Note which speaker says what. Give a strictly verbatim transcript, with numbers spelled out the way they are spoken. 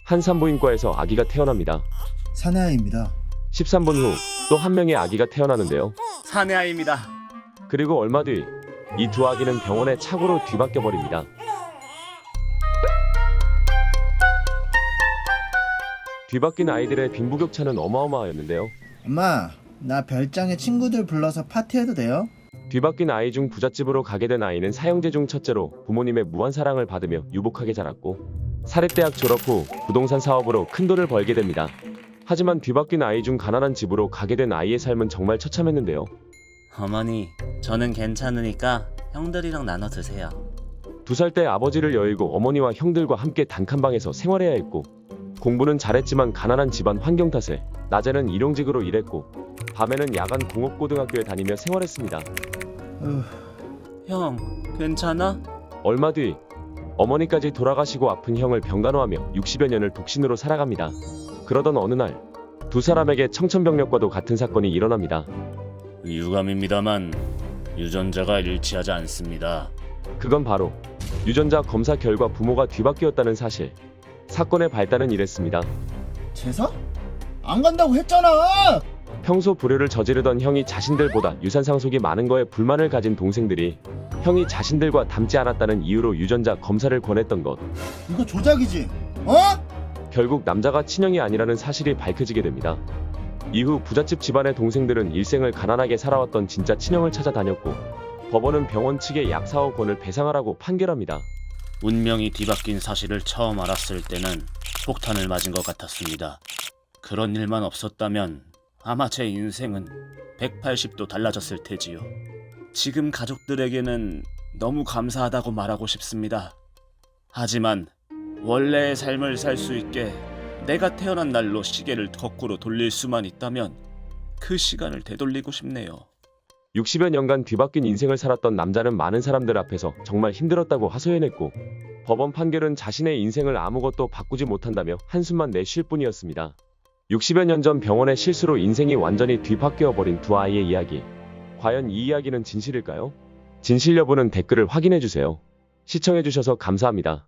Speaker 1: 한 산부인과에서 아기가 태어납니다.
Speaker 2: 사내아이입니다.
Speaker 1: 십삼 분 후 또 한 명의 아기가 태어나는데요.
Speaker 3: 사내아이입니다.
Speaker 1: 그리고 얼마 뒤 이 두 아기는 병원에 착오로 뒤바뀌어 버립니다. 뒤바뀐 아이들의 빈부격차는 어마어마하였는데요.
Speaker 2: 엄마, 나 별장에 친구들 불러서 파티해도 돼요?
Speaker 1: 뒤바뀐 아이 중 부잣집으로 가게 된 아이는 사형제 중 첫째로 부모님의 무한 사랑을 받으며 유복하게 자랐고, 사립대학 졸업 후 부동산 사업으로 큰 돈을 벌게 됩니다. 하지만 뒤바뀐 아이 중 가난한 집으로 가게 된 아이의 삶은 정말 처참했는데요.
Speaker 3: 어머니, 저는 괜찮으니까 형들이랑 나눠 드세요.
Speaker 1: 두 살 때 아버지를 여의고 어머니와 형들과 함께 단칸방에서 생활해야 했고, 공부는 잘했지만 가난한 집안 환경 탓에 낮에는 일용직으로 일했고, 밤에는 야간 공업고등학교에 다니며 생활했습니다.
Speaker 2: 으,
Speaker 3: 형, 괜찮아?
Speaker 1: 얼마 뒤 어머니까지 돌아가시고 아픈 형을 병간호하며 육십여 년을 독신으로 살아갑니다. 그러던 어느 날 두 사람에게 청천벽력과도 같은 사건이 일어납니다.
Speaker 3: 유감입니다만 유전자가 일치하지 않습니다.
Speaker 1: 그건 바로 유전자 검사 결과 부모가 뒤바뀌었다는 사실. 사건의 발단은 이랬습니다.
Speaker 2: 제사? 안 간다고 했잖아!
Speaker 1: 평소 불효를 저지르던 형이 자신들보다 유산 상속이 많은 거에 불만을 가진 동생들이 형이 자신들과 닮지 않았다는 이유로 유전자 검사를 권했던 것.
Speaker 2: 이거 조작이지? 어?
Speaker 1: 결국 남자가 친형이 아니라는 사실이 밝혀지게 됩니다. 이후 부잣집 집안의 동생들은 일생을 가난하게 살아왔던 진짜 친형을 찾아다녔고, 법원은 병원 측에 약 사억 원을 배상하라고 판결합니다.
Speaker 3: 운명이 뒤바뀐 사실을 처음 알았을 때는 폭탄을 맞은 것 같았습니다. 그런 일만 없었다면 아마 제 인생은 백팔십 도 달라졌을 테지요. 지금 가족들에게는 너무 감사하다고 말하고 싶습니다. 하지만 원래의 삶을 살 수 있게 내가 태어난 날로 시계를 거꾸로 돌릴 수만 있다면 그 시간을 되돌리고 싶네요.
Speaker 1: 육십여 년간 뒤바뀐 인생을 살았던 남자는 많은 사람들 앞에서 정말 힘들었다고 하소연했고, 법원 판결은 자신의 인생을 아무것도 바꾸지 못한다며 한숨만 내쉴 뿐이었습니다. 육십여 년 전 병원의 실수로 인생이 완전히 뒤바뀌어 버린 두 아이의 이야기. 과연 이 이야기는 진실일까요? 진실 여부는 댓글을 확인해주세요. 시청해주셔서 감사합니다.